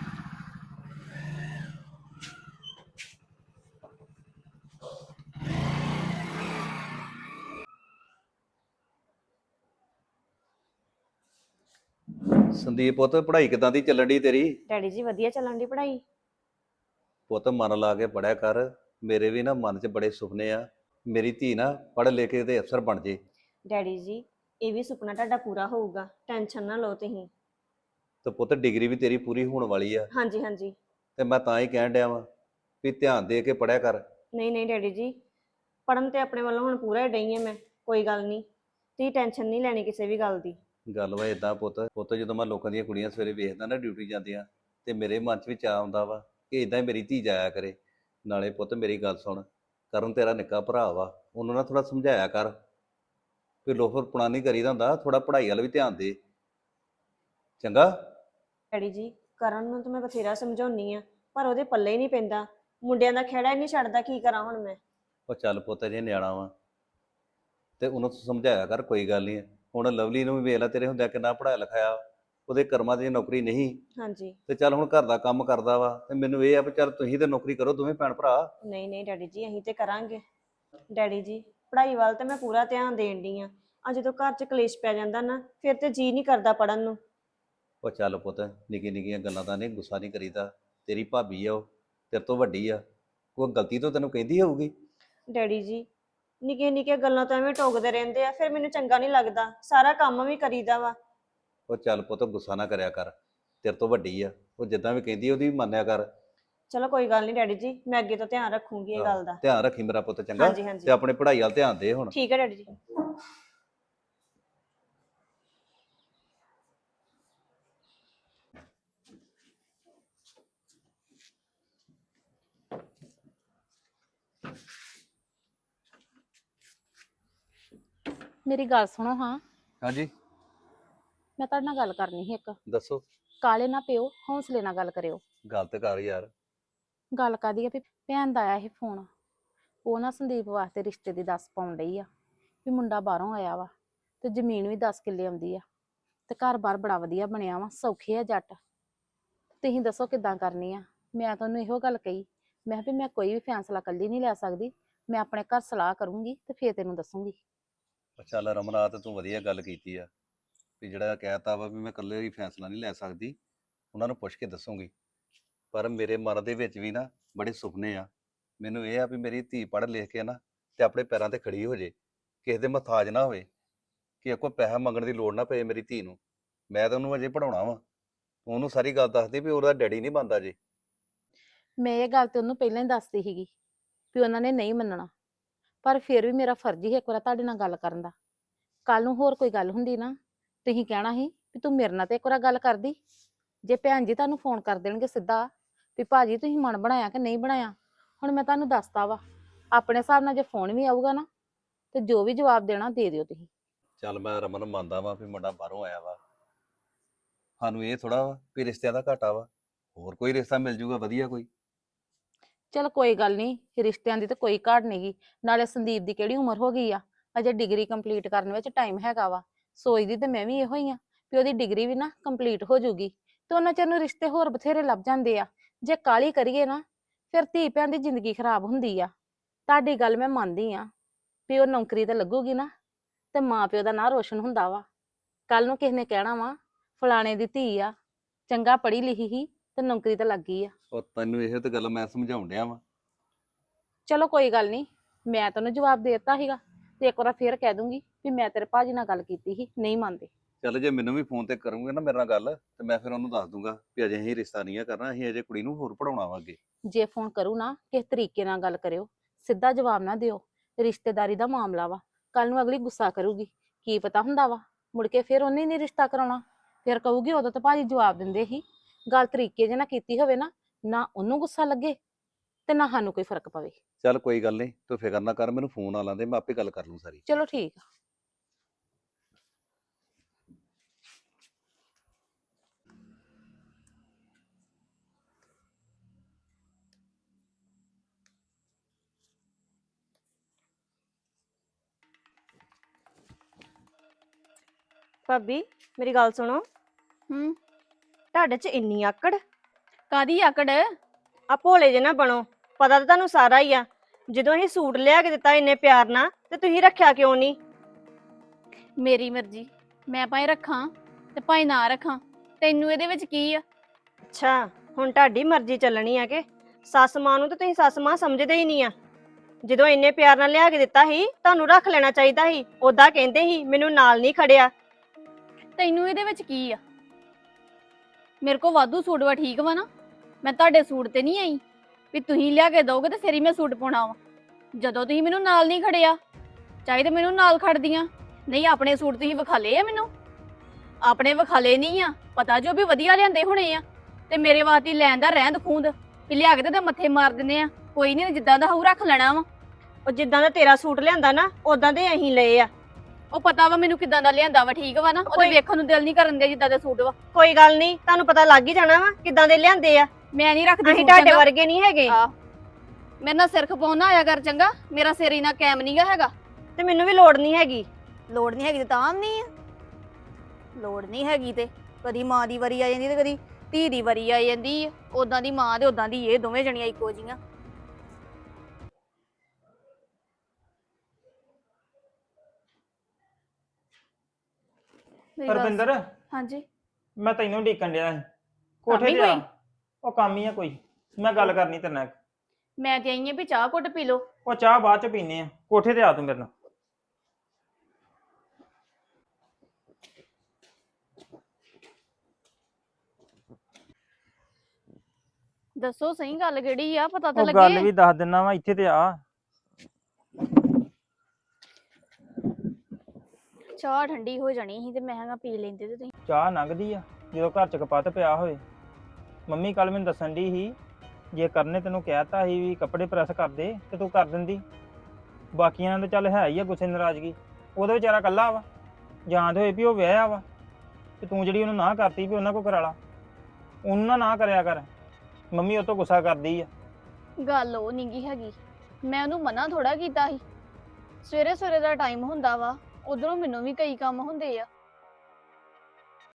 C: ਸੰਦੀਪ ਪੁੱਤ ਪੜ੍ਹਾਈ ਕਿਦਾਂ ਦੀ ਚੱਲਣ ਦੀ ਤੇਰੀ?
B: ਡੈਡੀ ਜੀ ਵਧੀਆ ਚੱਲਣ ਦੀ ਪੜ੍ਹਾਈ।
C: ਪੁੱਤ ਮਨ ਲਾ ਕੇ ਪੜਿਆ ਕਰ। ਮੇਰੇ ਵੀ ਨਾ ਮਨ 'ਚ ਬੜੇ ਸੁਪਨੇ ਆ, ਮੇਰੀ ਧੀ ਨਾ ਪੜ੍ਹ ਲਿਖ ਕੇ ਤੇ ਅਫਸਰ ਬਣ ਜੇ।
B: ਡੈਡੀ ਜੀ ਇਹ ਵੀ ਸੁਪਨਾ ਤੁਹਾਡਾ ਪੂਰਾ ਹੋਊਗਾ, ਟੈਨਸ਼ਨ ਨਾ ਲਓ ਤੁਸੀਂ।
C: ਤੇ ਪੁੱਤ ਡਿਗਰੀ ਵੀ ਤੇਰੀ ਪੂਰੀ ਹੋਣ ਵਾਲੀ ਆ,
B: ਹਾਂਜੀ ਹਾਂਜੀ।
C: ਤੇ ਮੈਂ ਤਾਂ ਹੀ ਕਹਿਣ ਡਿਆ ਵਾਂ ਵੀ ਧਿਆਨ ਦੇ ਕੇ ਪੜਿਆ ਕਰ।
B: ਨਹੀਂ ਨਹੀਂ ਡੈਡੀ ਜੀ, ਪੜਨ ਤੇ ਆਪਣੇ ਵੱਲੋਂ ਹੁਣ ਪੂਰਾ ਹੀ ਡਈ ਆ ਮੈਂ, ਕੋਈ ਗੱਲ ਨਹੀਂ, ਤੁਸੀਂ ਟੈਨਸ਼ਨ ਨਹੀਂ ਲੈਣੀ ਕਿਸੇ ਵੀ ਗੱਲ ਦੀ।
C: ਗੱਲ ਵਾ ਇਦਾਂ ਪੁੱਤ ਜਦੋਂ ਮੈਂ ਲੋਕਾਂ ਦੀਆਂ ਕੁੜੀਆਂ ਸਵੇਰੇ ਵੇਖਦਾ ਨਾ ਡਿਊਟੀ ਜਾਂਦੀਆਂ, ਤੇ ਮੇਰੇ ਮਨ 'ਚ ਵੀ ਚਾਅ ਆਉਂਦਾ ਵਾ ਕਿ ਇਦਾਂ ਹੀ ਮੇਰੀ ਧੀ ਜਾਇਆ ਕਰੇ। ਨਾਲੇ ਪੁੱਤ ਮੇਰੀ ਗੱਲ ਸੁਣ, ਕਰਨ ਤੇਰਾ ਨਿੱਕਾ ਭਰਾ ਵਾ, ਉਹਨੂੰ ਨਾ ਥੋੜਾ ਸਮਝਾਇਆ ਕਰ ਵੀ ਲੋਫਰਪੁਣਾ ਨਹੀਂ ਕਰੀਦਾ ਹੁੰਦਾ, ਥੋੜਾ ਪੜ੍ਹਾਈ ਵੱਲ ਵੀ ਧਿਆਨ ਦੇ, ਚੰਗਾ?
B: ਡੈਡੀ ਜੀ ਕਰਨ ਨੂੰ ਤਾਂ ਮੈਂ ਬਥੇਰਾ ਸਮਝਾਉਣੀ ਆ, ਪਰ ਉਹਦੇ ਪੱਲੇ ਹੀ ਨਹੀਂ ਪੈਂਦਾ, ਮੁੰਡਿਆਂ ਦਾ ਖਹਿੜਾ ਹੀ ਨਹੀਂ ਛੱਡਦਾ, ਕੀ ਕਰਾਂ ਹੁਣ ਮੈਂ?
C: ਉਹ ਚੱਲ ਪੁੱਤ ਜੇ ਨਿਆਣਾ ਵਾ ਤੇ ਉਹਨੂੰ ਤੂੰ ਸਮਝਾਇਆ ਕਰ, ਕੋਈ ਗੱਲ ਨਹੀਂ। ਹੁਣ ਲਵਲੀ ਨੂੰ ਵੀ ਵੇਖ ਲੈ, ਤੇਰੇ ਹੁੰਦਿਆਂ ਕਿੰਨਾ ਪੜ੍ਹਾਇਆ ਲਿਖਾਇਆ, ਉਹਦੇ ਕਰਮਾਂ 'ਚ ਨੌਕਰੀ ਨਹੀਂ,
B: ਹਾਂਜੀ।
C: ਤੇ ਚੱਲ ਹੁਣ ਘਰ ਦਾ ਕੰਮ ਕਰਦਾ ਵਾ, ਤੇ ਮੈਨੂੰ ਇਹ ਆ ਵੀ ਚੱਲ ਤੁਸੀਂ ਤੇ ਨੌਕਰੀ ਕਰੋ ਦੋਵੇਂ ਭੈਣ ਭਰਾ।
B: ਨਹੀਂ ਨਹੀਂ ਡੈਡੀ ਜੀ ਅਸੀਂ ਤੇ ਕਰਾਂਗੇ। ਡੈਡੀ ਜੀ ਪੜ੍ਹਾਈ ਵੱਲ ਤੇ ਮੈਂ ਪੂਰਾ ਧਿਆਨ ਦੇਣ ਡਈ ਆ, ਆ ਜਦੋਂ ਘਰ 'ਚ ਕਲੇਸ਼ ਪੈ ਜਾਂਦਾ ਨਾ, ਫਿਰ ਤੇ ਜੀ ਨਹੀਂ ਕਰਦਾ ਪੜਨ ਨੂੰ।
C: ਉਹ ਚੱਲ ਪੁੱਤ ਨਿੱਕੀ ਨਿੱਕੀਆਂ ਗੱਲਾਂ ਦਾ ਨਹੀਂ ਗੁੱਸਾ ਨਹੀਂ ਕਰੀਦਾ, ਤੇਰੀ ਭਾਬੀ ਆ, ਉਹ ਤੇਰੇ ਤੋਂ ਵੱਡੀ ਆ, ਕੋਈ ਗਲਤੀ ਤੋਂ ਤੈਨੂੰ ਕਹਿੰਦੀ ਹੋਊਗੀ।
B: ਡੈਡੀ ਜੀ ਨਿੱਕੀਆਂ ਨਿੱਕੀਆਂ ਗੱਲਾਂ ਤਾਂ ਐਵੇਂ ਟੋਕਦੇ ਰਹਿੰਦੇ ਆ, ਫਿਰ ਮੈਨੂੰ ਚੰਗਾ ਨਹੀਂ ਲੱਗਦਾ, ਸਾਰਾ ਕੰਮ ਵੀ ਕਰੀਦਾ ਵਾ।
C: ਉਹ ਚੱਲ ਪੁੱਤ ਗੁੱਸਾ ਨਾ ਕਰਿਆ ਕਰ, ਤੇਰੇ ਤੋਂ ਵੱਡੀ ਆ, ਉਹ ਜਿੱਦਾਂ ਵੀ ਕਹਿੰਦੀ ਉਹਦੀ ਵੀ ਮੰਨਿਆ ਕਰ।
B: ਚਲੋ ਕੋਈ ਗੱਲ ਨਹੀਂ ਡੈਡੀ ਜੀ, ਮੈਂ ਅੱਗੇ ਤੋਂ ਧਿਆਨ ਰੱਖੂੰਗੀ ਇਹ ਗੱਲ ਦਾ।
C: ਧਿਆਨ ਰੱਖੀ ਮੇਰਾ ਪੁੱਤ, ਚੰਗਾ?
B: ਹਾਂਜੀ ਹਾਂਜੀ
C: ਤੇ ਆਪਣੇ ਪੜ੍ਹਾਈ ਵੱਲ ਧਿਆਨ ਦੇ ਹੁਣ।
B: ਠੀਕ ਹੈ ਡੈਡੀ ਜੀ।
A: ਮੇਰੀ ਗੱਲ ਸੁਣੋ ਹਾਂ,
C: ਹਾਂਜੀ
A: ਮੈਂ ਤੁਹਾਡੇ ਨਾਲ ਗੱਲ ਕਰਨੀ ਸੀ ਇੱਕ।
C: ਦੱਸੋ।
A: ਕਾਲੇ ਨਾ ਪਿਓ, ਹੌਸਲੇ ਨਾਲ ਗੱਲ ਕਰਿਓ।
C: ਗੱਲ ਤੇ ਕਰ ਯਾਰ।
A: ਗੱਲ ਕਾਦੀ ਆ ਵੀ ਭੈਣ ਦਾ ਆਇਆ ਇਹ ਫੋਨ, ਉਹ ਨਾ ਸੰਦੀਪ ਵਾਸਤੇ ਰਿਸ਼ਤੇ ਦੀ ਦੱਸ ਪਾਉਣ ਡਈ ਆ ਵੀ ਮੁੰਡਾ ਬਾਹਰੋਂ ਆਇਆ ਵਾ, ਤੇ ਜ਼ਮੀਨ ਵੀ 10 ਕਿੱਲੇ ਆਉਂਦੀ ਆ, ਤੇ ਘਰ-ਬਾਰ ਬੜਾ ਵਧੀਆ ਬਣਿਆ ਵਾ, ਸੌਖੇ ਆ ਜੱਟ। ਤੁਸੀਂ ਦੱਸੋ ਕਿੱਦਾਂ ਕਰਨੀ ਆ? ਮੈਂ ਤੁਹਾਨੂੰ ਇਹੋ ਗੱਲ ਕਹੀ, ਮੈਂ ਕਿਹਾ ਵੀ ਮੈਂ ਕੋਈ ਵੀ ਫੈਸਲਾ ਇਕੱਲੀ ਨਹੀਂ ਲੈ ਸਕਦੀ, ਮੈਂ ਆਪਣੇ ਘਰ ਸਲਾਹ ਕਰੂੰਗੀ ਤੇ ਫੇਰ ਤੈਨੂੰ ਦੱਸੂੰਗੀ।
C: ਚੱਲ ਰਮਨਾ, ਤੇ ਤੂੰ ਵਧੀਆ ਗੱਲ ਕੀਤੀ ਆ ਵੀ ਜਿਹੜਾ ਕਹਿਤਾ ਵਾ ਵੀ ਮੈਂ ਇਕੱਲੇ ਹੀ ਫੈਸਲਾ ਨਹੀਂ ਲੈ ਸਕਦੀ, ਉਹਨਾਂ ਨੂੰ ਪੁੱਛ ਕੇ ਦੱਸੂਗੀ। ਪਰ ਮੇਰੇ ਮਨ ਦੇ ਵਿੱਚ ਵੀ ਨਾ ਬੜੇ ਸੁਪਨੇ ਆ, ਮੈਨੂੰ ਇਹ ਆ ਵੀ ਮੇਰੀ ਧੀ ਪੜ੍ਹ ਲਿਖ ਕੇ ਨਾ ਤੇ ਆਪਣੇ ਪੈਰਾਂ ਤੇ ਖੜੀ ਹੋ ਜੇ, ਕਿਸੇ ਦੇ ਮੁਹਤਾਜ ਨਾ ਹੋਵੇ, ਕਿ ਕੋਈ ਪੈਸਾ ਮੰਗਣ ਦੀ ਲੋੜ ਨਾ ਪਏ ਮੇਰੀ ਧੀ ਨੂੰ। ਮੈਂ ਤਾਂ ਉਹਨੂੰ ਅਜੇ ਪੜਾਉਣਾ ਵਾ, ਉਹਨੂੰ ਸਾਰੀ ਗੱਲ ਦੱਸਦੀ ਵੀ ਉਹਦਾ ਡੈਡੀ ਨਹੀਂ ਬਣਦਾ ਜੇ।
A: ਮੈਂ ਇਹ ਗੱਲ ਤੇ ਉਹਨੂੰ ਪਹਿਲਾਂ ਹੀ ਦੱਸਦੀ ਸੀਗੀ ਵੀ ਉਹਨਾਂ ਨੇ ਨਹੀਂ ਮੰਨਣਾ, ਪਰ ਫਿਰ ਵੀ ਮੇਰਾ ਫਰਜ਼ ਹੀ ਇੱਕ ਵਾਰ ਤੁਹਾਡੇ ਨਾਲ ਗੱਲ ਕਰਨ ਦਾ। ਕੱਲ ਨੂੰ ਹੋਰ ਕੋਈ ਗੱਲ ਹੁੰਦੀ ਨਾ, ਤੁਸੀਂ ਕਹਿਣਾ ਸੀ ਵੀ ਤੂੰ ਮੇਰੇ ਨਾਲ ਤੇ ਇੱਕ ਵਾਰ ਗੱਲ ਕਰਦੀ। ਜੇ ਭੈਣ ਜੀ ਤੁਹਾਨੂੰ ਫੋਨ ਕਰ ਦੇਣਗੇ ਸਿੱਧਾ ਵੀ ਭਾਜੀ ਤੁਸੀਂ ਮਨ ਬਣਾਇਆ ਕਿ ਨਹੀਂ ਬਣਾਇਆ, ਹੁਣ ਮੈਂ ਤੁਹਾਨੂੰ ਦੱਸਤਾ ਵਾ, ਆਪਣੇ ਹਿਸਾਬ ਨਾਲ ਜੇ ਫੋਨ ਵੀ ਆਊਗਾ ਨਾ ਤੇ ਜੋ ਵੀ ਜਵਾਬ ਦੇਣਾ ਦੇ ਦਿਓ ਤੁਸੀਂ।
C: ਚੱਲ ਮੈਂ ਰਮਨ ਮੰਨਦਾ ਵਾਂ ਵੀ ਮੁੰਡਾ ਬਾਹਰੋਂ ਆਇਆ ਵਾ, ਸਾਨੂੰ ਇਹ ਥੋੜਾ ਵਾ ਵੀ ਰਿਸ਼ਤਿਆਂ ਦਾ ਘਾਟਾ ਵਾ, ਹੋਰ ਕੋਈ ਰਿਸ਼ਤਾ ਮਿਲ ਜੂਗਾ ਵਧੀਆ ਕੋਈ।
A: ਚਲ ਕੋਈ ਗੱਲ ਨਹੀਂ, ਰਿਸ਼ਤਿਆਂ ਦੀ ਤਾਂ ਕੋਈ ਘਾਟ ਨਹੀਂਗੀ, ਨਾਲੇ ਸੰਦੀਪ ਦੀ ਕਿਹੜੀ ਉਮਰ ਹੋ ਗਈ ਆ, ਅਜੇ ਡਿਗਰੀ ਕੰਪਲੀਟ ਕਰਨ ਵਿੱਚ ਟਾਈਮ ਹੈਗਾ ਵਾ। ਸੋਚਦੀ ਤੇ ਮੈਂ ਵੀ ਇਹੋ ਹੀ ਆ ਵੀ ਉਹਦੀ ਡਿਗਰੀ ਵੀ ਨਾ ਕੰਪਲੀਟ ਹੋ ਜੂਗੀ, ਤੇ ਉਹਨਾਂ ਚਿਰ ਨੂੰ ਰਿਸ਼ਤੇ ਹੋਰ ਬਥੇਰੇ ਲੱਭ ਜਾਂਦੇ ਆ। ਜੇ ਕਾਹਲੀ ਕਰੀਏ ਨਾ ਫਿਰ ਧੀ ਭੈਣ ਦੀ ਜ਼ਿੰਦਗੀ ਖਰਾਬ ਹੁੰਦੀ ਆ। ਤੁਹਾਡੀ ਗੱਲ ਮੈਂ ਮੰਨਦੀ ਆ ਵੀ ਉਹ ਨੌਕਰੀ ਤੇ ਲੱਗੂਗੀ ਨਾ ਤੇ ਮਾਂ ਪਿਓ ਦਾ ਨਾਂ ਰੋਸ਼ਨ ਹੁੰਦਾ ਵਾ। ਕੱਲ ਨੂੰ ਕਿਸੇ ਨੇ ਕਹਿਣਾ ਵਾ ਫਲਾਣੇ ਦੀ ਧੀ ਆ, ਚੰਗਾ ਪੜ੍ਹੀ ਲਿਖੀ ਹੀ ਤੇ ਨੌਕਰੀ ਤੇ ਲੱਗ ਗਈ ਆ।
C: ਉਹ ਤੈਨੂੰ ਇਹ ਤੇ ਗੱਲ ਮੈਂ ਸਮਝਾਉਣ ਡਿਆ ਵਾਂ।
A: ਚਲੋ ਕੋਈ ਗੱਲ ਨਹੀਂ, ਮੈਂ ਤੈਨੂੰ ਜਵਾਬ ਦੇ ਦਿੱਤਾ ਸੀਗਾ, ਤੇ ਇੱਕ ਵਾਰ ਫੇਰ ਕਹਿ ਦੂੰਗੀ ਵੀ ਮੈਂ ਤੇਰੇ ਭਾਜੀ ਨਾਲ ਗੱਲ ਕੀਤੀ ਸੀ, ਨਹੀਂ ਮੰਨਦੇ।
C: ਚੱਲ ਜੇ ਮੈਨੂੰ ਵੀ ਫੋਨ ਤੇ ਕਰੂੰਗੇ ਨਾ ਮੇਰੇ ਨਾਲ ਗੱਲ, ਤੇ ਮੈਂ ਫਿਰ ਉਹਨੂੰ ਦੱਸ ਦੂੰਗਾ ਵੀ ਅਜੇ ਅਸੀਂ ਰਿਸ਼ਤਾ ਨਹੀਂ ਆ ਕਰਨਾ, ਅਸੀਂ ਅਜੇ ਕੁੜੀ ਨੂੰ ਹੋਰ ਪੜਾਉਣਾ ਵਾ ਅੱਗੇ।
A: ਜੇ ਫੋਨ ਕਰੂ ਨਾ ਕਿਸ ਤਰੀਕੇ ਨਾਲ ਗੱਲ ਕਰਿਓ, ਸਿੱਧਾ ਜਵਾਬ ਨਾ ਦਿਓ, ਰਿਸ਼ਤੇਦਾਰੀ ਦਾ ਮਾਮਲਾ ਵਾ। ਕੱਲ ਨੂੰ ਅਗਲੀ ਗੁੱਸਾ ਕਰੂਗੀ, ਕੀ ਪਤਾ ਹੁੰਦਾ ਵਾ ਮੁੜ ਕੇ ਫਿਰ ਉਹਨੇ ਨਹੀਂ ਰਿਸ਼ਤਾ ਕਰਾਉਣਾ, ਫਿਰ ਕਹੂਗੀ ਉਦੋਂ ਤਾਂ ਭਾਜੀ ਜਵਾਬ ਦਿੰਦੇ ਸੀ। ਗੱਲ ਤਰੀਕੇ ਜੇ ਨਾਲ ਕੀਤੀ ਹੋਵੇ ਨਾ, ਨਾ ਉਹਨੂੰ ਗੁੱਸਾ ਲੱਗੇ ਤੇ ਨਾ ਸਾਨੂੰ ਕੋਈ ਫਰਕ ਪਵੇ।
C: ਚੱਲ ਕੋਈ ਗੱਲ ਨਹੀਂ, ਤੂੰ ਫਿਕਰ ਨਾ ਕਰ, ਮੈਨੂੰ ਫੋਨ ਆ ਲਾਂਦੇ, ਮੈਂ ਆਪੇ ਗੱਲ ਕਰ ਲੂੰ ਸਾਰੀ।
A: ਚਲੋ ਠੀਕ ਆ।
B: ਭਾਬੀ ਮੇਰੀ ਗੱਲ ਸੁਣੋ,
D: ਹੂੰ
B: ਤੁਹਾਡੇ 'ਚ ਇੰਨੀ ਆਕੜ।
D: ਕਾਦੀ ਆਕੜ?
B: ਆ ਭੋਲੇ ਜੇ ਨਾ ਬਣੋ, ਪਤਾ ਤਾਂ ਤੁਹਾਨੂੰ ਸਾਰਾ ਹੀ ਆ। ਜਦੋਂ ਅਸੀਂ ਸੂਟ ਲਿਆ ਕੇ ਦਿੱਤਾ ਇੰਨੇ ਪਿਆਰ ਨਾਲ ਤੇ ਤੁਸੀਂ ਰੱਖਿਆ ਕਿਉਂ ਨਹੀਂ?
D: ਮੇਰੀ ਮਰਜ਼ੀ, ਮੈਂ ਭਾਵੇਂ ਰੱਖਾਂ ਤੇ ਭਾਵੇਂ ਨਾ ਰੱਖਾਂ, ਤੈਨੂੰ ਇਹਦੇ ਵਿੱਚ ਕੀ ਆ?
B: ਅੱਛਾ, ਹੁਣ ਤੁਹਾਡੀ ਮਰਜ਼ੀ ਚੱਲਣੀ ਆ ਕਿ ਸੱਸ ਮਾਂ ਨੂੰ ਤਾਂ ਤੁਸੀਂ ਸੱਸ ਮਾਂ ਸਮਝਦੇ ਹੀ ਨਹੀਂ ਆ। ਜਦੋਂ ਇੰਨੇ ਪਿਆਰ ਨਾਲ ਲਿਆ ਕੇ ਦਿੱਤਾ ਸੀ ਤੁਹਾਨੂੰ ਰੱਖ ਲੈਣਾ ਚਾਹੀਦਾ ਸੀ। ਉਦਾਂ ਕਹਿੰਦੇ ਸੀ ਮੈਨੂੰ ਨਾਲ ਨਹੀਂ ਖੜਿਆ।
D: ਤੈਨੂੰ ਇਹਦੇ ਵਿੱਚ ਕੀ ਆ? ਮੇਰੇ ਕੋ ਵਾਧੂ ਸੂਟ ਵਾ, ਠੀਕ ਵਾ ਨਾ? ਮੈਂ ਤੁਹਾਡੇ ਸੂਟ ਤੇ ਨਹੀਂ ਆਈ ਵੀ ਤੁਸੀਂ ਲਿਆ ਕੇ ਦੋਗੇ ਤੇ ਫਿਰ ਹੀ ਮੈਂ ਸੂਟ ਪਾਉਣਾ ਵਾ। ਜਦੋਂ ਤੁਸੀਂ ਮੈਨੂੰ ਨਾਲ ਨਹੀਂ ਖੜਿਆ, ਚਾਹੀਦਾ ਮੈਨੂੰ ਨਾਲ ਖੜਦੀਆਂ। ਨਹੀਂ, ਆਪਣੇ ਸੂਟ ਤੁਸੀਂ ਵਿਖਾਲੇ ਆ ਮੈਨੂੰ? ਆਪਣੇ ਵਿਖਾਲੇ ਨਹੀਂ ਆ, ਪਤਾ ਜੋ ਵੀ ਵਧੀਆ ਲਿਆਂਦੇ ਹੋਣੇ ਆ, ਤੇ ਮੇਰੇ ਵਾਸਤੇ ਲੈਣ ਦਾ ਰਹਿੰਦ ਖੂੰਦ ਵੀ ਲਿਆ ਕੇ ਤੇ ਮੱਥੇ ਮਾਰ ਦਿੰਦੇ ਆ। ਕੋਈ ਨਹੀਂ, ਜਿੱਦਾਂ ਦਾ ਹੋਊ ਰੱਖ ਲੈਣਾ ਵਾ।
B: ਉਹ ਜਿੱਦਾਂ ਦਾ ਤੇਰਾ ਸੂਟ ਲਿਆਂਦਾ ਨਾ ਉਦਾਂ ਦੇ ਅਸੀਂ ਲਏ ਆ।
D: ਉਹ ਪਤਾ ਵਾ ਮੈਨੂੰ ਕਿਦਾਂ ਦਾ ਲਿਆਂਦਾ ਵਾ, ਠੀਕ ਵਾ ਨਾ? ਉਹਦੇ
B: ਕੋਈ-
D: ਵੇਖਣ ਨੂੰ ਦਿਲ ਨਹੀਂ ਕਰਨ ਦੇ ਜਿੱਦਾਂ ਦੇ ਸੂਟ ਵਾ।
B: ਕੋਈ ਗੱਲ ਨਹੀਂ, ਤੁਹਾਨੂੰ ਪਤਾ ਲੱਗ ਹੀ ਜਾਣਾ ਵਾ ਕਿੱਦਾਂ ਦੇ ਲਿਆਂਦੇ ਆ।
D: ਮੈਂ ਨਹੀਂ ਰੱਖਦੀ
B: ਅਸੀਂ
D: ਸੂਟ
B: ਤੁਹਾਡੇ
D: ਚੰਗਾ।
B: ਵਰਗੇ ਨਹੀਂ ਹੈਗੇ।
D: ਆ ਮੇਰੇ ਨਾਲ ਸਿਰ ਖਪਾਉਣ ਨਾ ਆਇਆ ਕਰ ਚੰਗਾ। ਮੇਰਾ ਸਿਰ ਇਨਾ ਕੈਮ ਨਹੀਂਗਾ ਹੈਗਾ।
B: ਤੇ ਮੈਨੂੰ ਵੀ ਲੋੜ ਨਹੀਂ ਹੈਗੀ।
D: ਲੋੜ ਨਹੀਂ ਹੈਗੀ ਤੇ ਤਾਂ ਨਹੀਂ ਆ। ਲੋੜ ਨਹੀਂ ਹੈਗੀ ਤੇ ਕਦੀ ਮਾਂ ਦੀ ਵਾਰੀ ਆ ਜਾਂਦੀ ਤੇ ਕਦੀ ਧੀ ਦੀ ਵਾਰੀ ਆ ਜਾਂਦੀ ਆ। ਉਦਾਂ ਦੀ ਮਾਂ ਤੇ ਉਦਾਂ ਦੀ ਇਹ, ਦੋਵੇਂ ਜਣੀਆਂ ਇੱਕੋ ਜੀਆਂ। ਮੇਰੀ ਗੱਲ
E: ਰਵਿੰਦਰ,
D: ਹਾਂਜੀ।
E: ਮੈਂ ਤੈਨੂੰ ਢੀਕਣ ਡਿਆ ਸੀ
D: ਕੰਮ
E: ਕੋਠੇ
D: ਹੀ
E: ਤੇ ਆ।
D: ਕੋਈ?
E: ਉਹ ਕੰਮ ਹੀ ਆ ਕੋਈ, ਮੈਂ ਗੱਲ ਕਰਨੀ ਤੇਰੇ ਨਾਲ ਇੱਕ।
D: ਮੈਂ ਤੇ ਆਈ ਆ ਵੀ ਚਾਹ ਘੁੱਟ ਪੀ ਲਓ।
E: ਉਹ ਚਾਹ ਬਾਅਦ ਚ ਪੀਨੇ ਆ, ਕੋਠੇ ਤੇ ਆ ਤੂੰ ਮੇਰੇ ਨਾਲ।
D: ਦੱਸੋ ਸਹੀ ਗੱਲ ਕਿਹੜੀ ਆ, ਪਤਾ ਤਾਂ
E: ਉਹ ਗੱਲ
D: ਲੱਗੇ।
E: ਵੀ ਦੱਸ ਦਿੰਨਾ ਵਾ, ਇੱਥੇ ਤੇ ਆ।
D: ਚਾਹ ਠੰਡੀ ਹੋ ਜਾਣੀ ਸੀ ਤੇ ਮੈਂ ਕਿਹਾ ਪੀ ਲੈਂਦੇ ਤੇ ਤੁਸੀਂ।
E: ਚਾਹ ਲੰਘਦੀ ਆ ਜਦੋਂ ਘਰ ਚ ਕਪੱਤ ਪਿਆ ਹੋਵੇ। ਮੰਮੀ ਕੱਲ ਮੈਨੂੰ ਦੱਸਣ ਦੀ ਸੀ, ਜੇ ਕਰਨੇ ਤੈਨੂੰ ਕਹਿਤਾ ਸੀ ਵੀ ਕੱਪੜੇ ਪ੍ਰੈਸ ਕਰ ਦੇ ਤੇ ਤੂੰ ਕਰ ਦਿੰਦੀ। ਬਾਕੀਆਂ ਦਾ ਚੱਲ ਹੈ ਹੀ ਆ ਗੁੱਸੇ ਨਾਰਾਜ਼ਗੀ, ਉਹਦਾ ਵਿਚਾਰਾ ਕੱਲਾ ਵਾ। ਜਾਂ ਤੇ ਹੋਏ ਵੀ ਉਹ ਵਿਆਹਿਆ ਵਾ ਤੇ ਤੂੰ ਜਿਹੜੀ ਉਹਨੂੰ ਨਾ ਕਰਤੀ ਵੀ ਉਹਨਾਂ ਕੋ ਕਰਾ ਲਾ, ਉਹਨੂੰ ਨਾ ਕਰਿਆ ਕਰ। ਮੰਮੀ ਉਹ ਤੋਂ ਗੁੱਸਾ ਕਰਦੀ ਆ।
D: ਗੱਲ ਉਹ ਨਹੀਂਗੀ ਹੈਗੀ, ਮੈਂ ਉਹਨੂੰ ਮਨਾ ਥੋੜਾ ਕੀਤਾ ਸੀ। ਸਵੇਰੇ ਸਵੇਰੇ ਦਾ ਟਾਈਮ ਹੁੰਦਾ ਵਾ, ਉਧਰੋਂ ਮੈਨੂੰ ਵੀ ਕਈ ਕੰਮ ਹੁੰਦੇ ਆ।